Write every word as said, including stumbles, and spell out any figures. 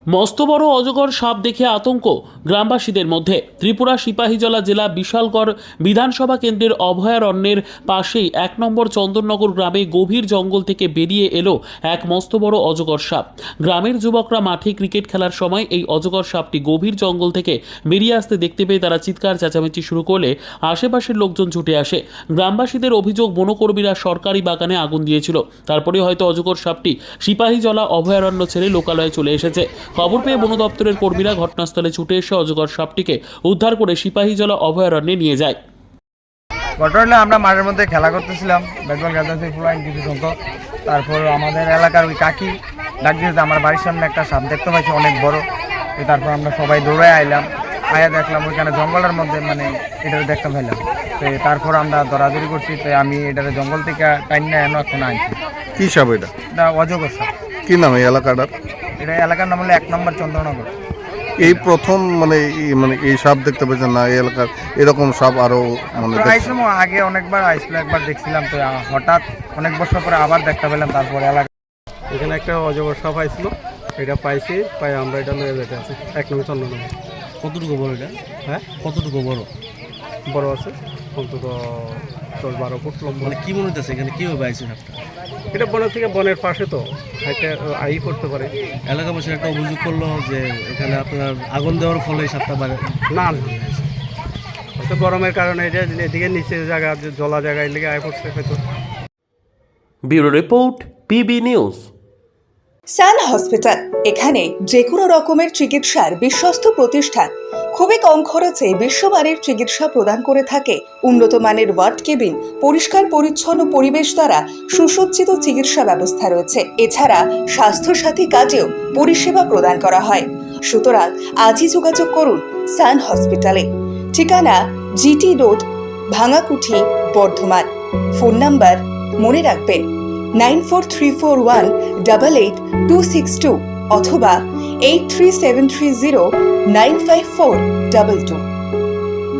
মস্ত বড় অজগর সাপ দেখে আতঙ্ক গ্রামবাসীদের মধ্যে। ত্রিপুরা সিপাহীজলা জেলা বিশালগড় বিধানসভা কেন্দ্রের অভয়ারণ্যের পাশেই এক নম্বর চন্দননগর গ্রামে গভীর জঙ্গল থেকে বেরিয়ে এলো এক মস্ত বড় অজগর সাপ। গ্রামের যুবকরা মাঠে ক্রিকেট খেলার সময় এই অজগর সাপটি গভীর জঙ্গল থেকে বেরিয়ে আসতে দেখতে পেয়ে তারা চিৎকার চেঁচামেচি শুরু করলে আশেপাশের লোকজন ছুটে আসে। গ্রামবাসীদের অভিযোগ, বনকর্মীরা সরকারি বাগানে আগুন দিয়েছিল, তারপরে হয়তো অজগর সাপটি সিপাহীজলা অভয়ারণ্য ছেড়ে লোকালয়ে চলে এসেছে। খবর পেয়ে বন দপ্তরের কর্মীরা ঘটনাস্থলে ছুটে এসে অজগর সাপটিকে উদ্ধার করে সিপাহীজলা অভয়ারণ্যে নিয়ে যায়। ঘটনা আমরা মাঠের মধ্যে খেলা করতেছিলাম, ব্যাট বল খেলতেছি ফুলাইন কিছু সংখ্যক। তারপর আমাদের এলাকার ওই কাকি ডাক দিয়েছে, আমার বাড়ির সামনে একটা সাপ দেখতে পাইছি অনেক বড়। তারপর আমরা সবাই দৌড়ে আইলাম, আয়া দেখলাম ওইখানে জঙ্গলের মধ্যে মানে এটা দেখতে পাইলাম। তো তারপর আমরা দৌড়াদৌড়ি করছি, তো আমি এটার জঙ্গল থেকে টাইম না এনে এখন আনছি। কি সাপ এটা? এটা অজগর সাপ। কি নাম এই এলাকাটার? এটা এলাকার নাম হলো এক নম্বর চন্দ্রনগর। এই প্রথম মানে এই- মানে এই সাপ দেখতে পেয়েছেন না? এই এলাকার এরকম সাপ আরো মানে দেখছেন? আইসলাম আগে অনেকবার আইসলো, একবার দেখছিলাম, তো হঠাৎ অনেক বছর পরে আবার দেখতে পেলাম। তারপর এলাকা এখানে একটা অজগর সাপ আইছিল, এটা পাইছি, পাই আমরা এটা লয়ে যেতে আছে এক নম্বর চন্দ্রনগর। কতটুকু বড় এটা? হ্যাঁ, কতটুকু বড়? বড় আছে, অন্তত দশ বারো ফুট লম্বা। মানে কি মনে হচ্ছে এখানে কিভাবে আইছে সাপটা? এটা বনের থেকে বনের পাশে, তো হাইটে আই করতে পারে। এলাকাবাসীর একটা অভিযোগ করলো যে এখানে আপনার আগুন দেওয়ার ফলে সাপটা বাড়ে। না না, হয়তো গরমের কারণে এটা এদিকে নিচে জায়গা, জলা জায়গায় লেগে আয় পড়ছে হয়তো। Bureau report, PB news. Sun hospital, এখানে যে কোনো রকমের চিকিৎসার বিশ্বস্ত প্রতিষ্ঠান। খুবই কম খরচে বিশ্বমানের চিকিৎসা প্রদান করে থাকে। উন্নত মানের ওয়ার্ড কেবিন, পরিষ্কার পরিচ্ছন্ন পরিবেশ দ্বারা সুসজ্জিত চিকিৎসা ব্যবস্থা রয়েছে। এছাড়া স্বাস্থ্যসাথী কাজেও পরিষেবা প্রদান করা হয়। সুতরাং আজই যোগাযোগ করুন সান হসপিটালে। ঠিকানা GT road, Bhangakuthi, Bardhaman. Phone number মনে রাখবেন nine four three four one double eight two six two অথবা eight three seven three zero nine five four double two.